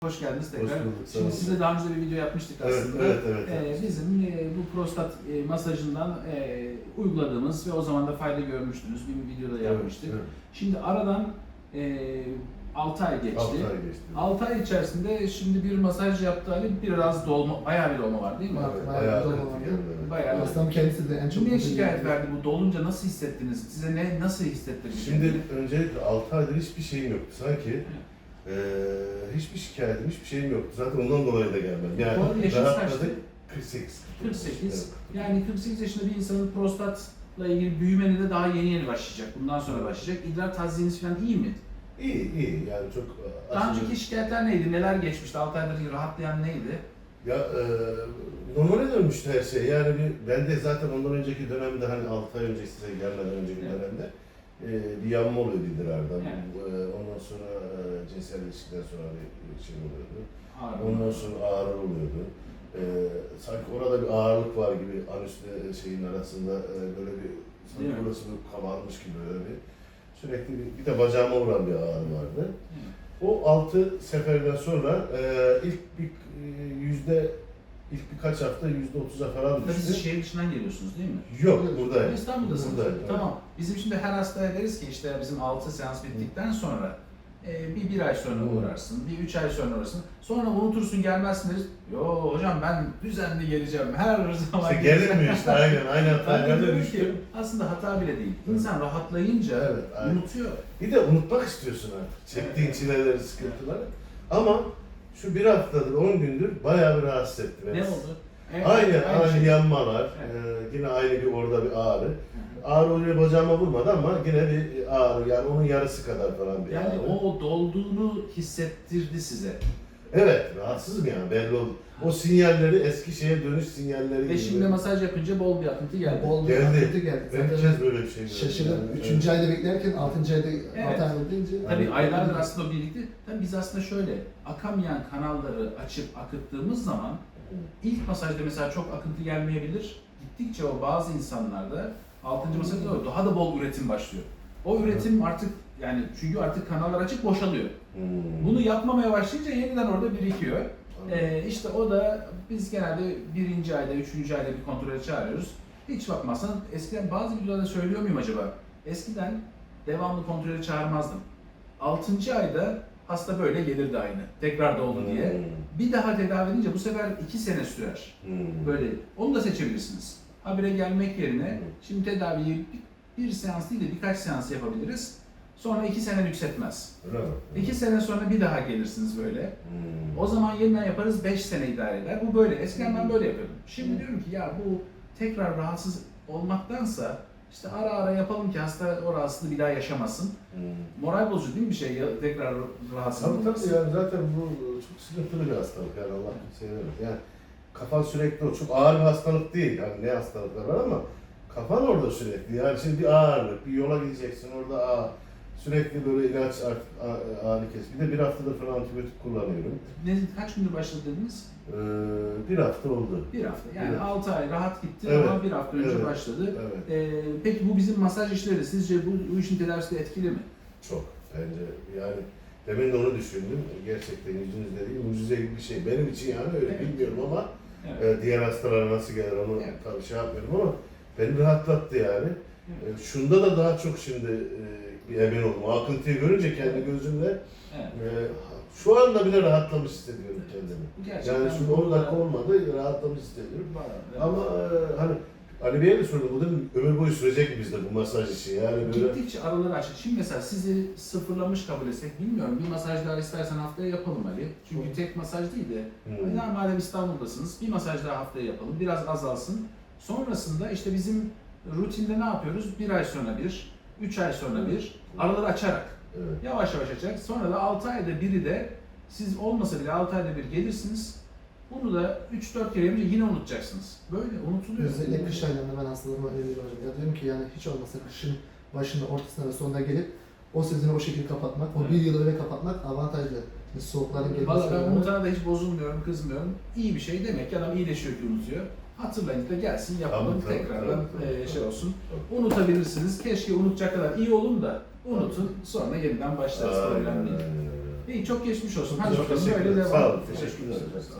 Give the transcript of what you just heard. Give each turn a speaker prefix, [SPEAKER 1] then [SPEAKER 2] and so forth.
[SPEAKER 1] Hoş geldiniz tekrar.
[SPEAKER 2] Hoş bulduk, sağ
[SPEAKER 1] Şimdi
[SPEAKER 2] olun.
[SPEAKER 1] size daha önce bir video yapmıştık aslında.
[SPEAKER 2] Evet.
[SPEAKER 1] Bizim bu prostat masajından uyguladığımız ve o zaman da fayda görmüştünüz. Bir videoda yapmıştık.
[SPEAKER 2] Evet.
[SPEAKER 1] Şimdi aradan 6 ay geçti.
[SPEAKER 2] 6 ay geçti.
[SPEAKER 1] 6 ay içerisinde şimdi bir masaj yaptı Ali, biraz dolma, bayağı bir dolma var değil mi?
[SPEAKER 2] Evet,
[SPEAKER 3] bayağı
[SPEAKER 2] bayağı
[SPEAKER 3] dolma
[SPEAKER 2] kritik
[SPEAKER 3] var.
[SPEAKER 2] yani.
[SPEAKER 1] Bayağı.
[SPEAKER 3] Hastam kendisi de en çok...
[SPEAKER 1] Ne şikayet verdi bu dolunca, nasıl hissettiniz? Size nasıl hissettirdi?
[SPEAKER 2] Şimdi öncelikle 6 aydır hiçbir şeyim yoktu. Sanki hiçbir şikayetim, hiçbir şeyim yoktu. Zaten ondan dolayı da gelmem.
[SPEAKER 1] Bu arada yaşınız
[SPEAKER 2] rahatladık.
[SPEAKER 1] kaçtı?
[SPEAKER 2] 48.
[SPEAKER 1] 48.
[SPEAKER 2] Evet.
[SPEAKER 1] Yani 48 yaşında bir insanın prostatla ilgili büyümeni de daha yeni başlayacak. Bundan sonra başlayacak. İdrar taziyiniz falan iyi mi?
[SPEAKER 2] İyi yani çok
[SPEAKER 1] Daha
[SPEAKER 2] aşırı-
[SPEAKER 1] önceki şikayetler neydi? Neler geçmişti? 6 aydır rahatlayan neydi?
[SPEAKER 2] Ya normale dönmüştü her şey. Yani ben de zaten ondan önceki dönemde hani 6 ay önce size gelmeden önceki
[SPEAKER 1] Evet.
[SPEAKER 2] dönemde bir yanma oluyordu idrarda.
[SPEAKER 1] Evet.
[SPEAKER 2] Ondan sonra cinsel ilişkiden sonra bir şey oluyordu.
[SPEAKER 1] Ağrı.
[SPEAKER 2] Ondan sonra ağrı oluyordu. Sanki orada bir ağırlık var gibi anüsle şeyin arasında böyle bir sanki
[SPEAKER 1] Değil mi?
[SPEAKER 2] burası bir kabarmış gibi böyle sürekli bir de bacağıma vuran bir ağrı vardı.
[SPEAKER 1] Evet.
[SPEAKER 2] O 6 seferden sonra ilk birkaç hafta %30'a falan
[SPEAKER 1] Tabii siz
[SPEAKER 2] düştü.
[SPEAKER 1] şehir dışından geliyorsunuz değil mi?
[SPEAKER 2] Yok buradayım.
[SPEAKER 1] İstanbul'dasınız.
[SPEAKER 2] Buradayım, evet.
[SPEAKER 1] Tamam. Bizim şimdi her hastaya deriz ki işte bizim 6 seans bittikten sonra bir ay sonra uğrarsın, bir 3 ay sonra uğrarsın. Sonra unutursun, gelmezsin deriz. Yo hocam ben düzenli geleceğim, her zaman
[SPEAKER 2] İşte
[SPEAKER 1] geleceğim.
[SPEAKER 2] gelmiyor işte aynı
[SPEAKER 1] Ben
[SPEAKER 2] hataya
[SPEAKER 1] de
[SPEAKER 2] ben de
[SPEAKER 1] diyorum
[SPEAKER 2] düştüm.
[SPEAKER 1] ki aslında hata bile değil. İnsan rahatlayınca
[SPEAKER 2] Evet, aynen.
[SPEAKER 1] unutuyor.
[SPEAKER 2] Bir de unutmak istiyorsun artık. Çektiğin çileleri, sıkıntıları. Ama şu bir haftadır, 10 gündür bayağı bir rahatsız etti beni.
[SPEAKER 1] Ne oldu?
[SPEAKER 2] Aynı
[SPEAKER 1] şey.
[SPEAKER 2] yanmalar, yine aynı bir orada bir ağrı. Ağrı oraya bacağıma vurmadı ama yine bir ağrı, yani onun yarısı kadar falan bir
[SPEAKER 1] Yani
[SPEAKER 2] ağrı.
[SPEAKER 1] o dolduğunu hissettirdi size.
[SPEAKER 2] Evet, rahatsızım yani belli oldu. O sinyalleri, eski şeye dönüş sinyalleri
[SPEAKER 1] Ve şimdi masaj yapınca bol bir akıntı geldi.
[SPEAKER 3] Bol bir
[SPEAKER 2] Geldi.
[SPEAKER 3] akıntı geldi.
[SPEAKER 2] Ben bir
[SPEAKER 3] Zaten
[SPEAKER 2] kez böyle bir şey gördüm.
[SPEAKER 3] şaşırdım.
[SPEAKER 2] Yani.
[SPEAKER 3] 3. ayda beklerken 6. ayda
[SPEAKER 1] Evet.
[SPEAKER 3] 6 ay oldu deyince...
[SPEAKER 1] Tabii
[SPEAKER 2] Yani-
[SPEAKER 1] aylardır aslında o birlikte. Tabii biz aslında şöyle akamayan kanalları açıp akıttığımız zaman ilk masajda mesela çok akıntı gelmeyebilir. Gittikçe o bazı insanlarda 6. masajda doğru daha da bol üretim başlıyor. O üretim artık yani çünkü artık kanallar açık boşalıyor. Bunu yapmamaya başlayınca yeniden orada birikiyor. İşte o da biz genelde 1. ayda, 3. ayda bir kontrole çağırıyoruz. Hiç bakmazsan eskiden bazı videolarda söylüyor muyum acaba? Eskiden devamlı kontrole çağırmazdım. 6. ayda hasta böyle gelirdi aynı. Tekrar da oldu diye. Bir daha tedavi edince bu sefer 2 sene sürer. Böyle. Onu da seçebilirsiniz. Habire gelmek yerine şimdi tedaviyi bir seans değil de birkaç seans yapabiliriz. Sonra 2 sene yükseltmez.
[SPEAKER 2] Öyle mi?
[SPEAKER 1] 2 sene sonra bir daha gelirsiniz böyle. O zaman yeniden yaparız, 5 sene idare eder. Bu böyle. Eskiden ben böyle yapıyordum. Şimdi diyorum ki ya bu tekrar rahatsız olmaktansa işte ara ara yapalım ki hasta o rahatsızlığı bir daha yaşamasın. Moral bozucu değil mi bir şey tekrar rahatsız
[SPEAKER 2] Tabii
[SPEAKER 1] olması?
[SPEAKER 2] tabii yani zaten bu çok sıkıntılı bir hastalık yani Allah kimseye vermez. Yani kafan sürekli o çok ağır bir hastalık değil. Yani ne hastalıklar var ama kafan orada sürekli. Yani şimdi bir ağırlık, bir yola gideceksin orada sürekli böyle ilaç ağrı kes. Bir de bir haftadır falan antibiyotik kullanıyorum.
[SPEAKER 1] Kaç gündür başladı dediniz?
[SPEAKER 2] Bir hafta oldu.
[SPEAKER 1] Bir hafta. Yani
[SPEAKER 2] Evet.
[SPEAKER 1] 6 ay rahat gitti
[SPEAKER 2] Evet.
[SPEAKER 1] ama bir hafta önce
[SPEAKER 2] Evet.
[SPEAKER 1] başladı.
[SPEAKER 2] Evet.
[SPEAKER 1] Peki bu bizim masaj işleri sizce bu işin tedavisi de etkili mi?
[SPEAKER 2] Çok. Bence yani demin de onu düşündüm. Gerçekten yüzünüzde değil, mucize gibi bir şey. Benim için yani öyle
[SPEAKER 1] Evet.
[SPEAKER 2] bilmiyorum ama
[SPEAKER 1] Evet.
[SPEAKER 2] diğer hastalara nasıl gelir onu
[SPEAKER 1] Evet.
[SPEAKER 2] tabii şey yapmıyorum ama beni rahatlattı yani. Şunda da daha çok şimdi bir emin oldum. O akıntıyı görünce kendi gözümle
[SPEAKER 1] Evet.
[SPEAKER 2] şu anda bile rahatlamış hissediyorum kendimi.
[SPEAKER 1] Bu gerçekten
[SPEAKER 2] Yani şimdi 10 dakika olmadı rahatlamış hissediyorum. Ama hani Ali Bey'e de sordum, bu da ömür boyu sürecek mi bizde bu masaj işi? Yani böyle...
[SPEAKER 1] Gittikçe araları açık. Şimdi mesela sizi sıfırlamış kabul etsek bilmiyorum. Bir masaj daha istersen haftaya yapalım Ali. Çünkü tek masaj değil de yani madem İstanbul'dasınız bir masaj daha haftaya yapalım. Biraz azalsın. Sonrasında işte bizim rutinde ne yapıyoruz? 1 ay sonra bir, 3 ay sonra bir, araları açarak.
[SPEAKER 2] Evet.
[SPEAKER 1] Yavaş yavaş açarak. Sonra da 6 ayda biri de siz olmasa bile 6 ayda bir gelirsiniz. Bunu da 3-4 kere yapınca yine unutacaksınız. Böyle unutuluyor.
[SPEAKER 3] Özellikle kış aylarında ben hastalarıma öneriyorum hocam. Ya diyorum ki yani hiç olmazsa kışın başında, ortasında ve sonunda gelip o sezonu o şekilde kapatmak, o bir yılı öyle kapatmak avantajlı. Soğukların gelmesi.
[SPEAKER 1] Valla ben unutana da hiç bozulmuyorum, kızmıyorum. İyi bir şey demek ki adam iyileşiyor ki unutuyor. Hatırlayın da gelsin yapalım
[SPEAKER 2] Tabii,
[SPEAKER 1] tekrardan
[SPEAKER 2] tabii.
[SPEAKER 1] şey olsun.
[SPEAKER 2] Tabii.
[SPEAKER 1] Unutabilirsiniz. Keşke unutacak kadar iyi olun da unutun. Sonra yeniden başlarız. Problem değil. İyi, çok geçmiş olsun.
[SPEAKER 3] Çok
[SPEAKER 1] Hadi bakalım
[SPEAKER 2] Teşekkür
[SPEAKER 1] böyle
[SPEAKER 2] ederim.
[SPEAKER 1] devam.
[SPEAKER 2] Sağ olun. Teşekkürler.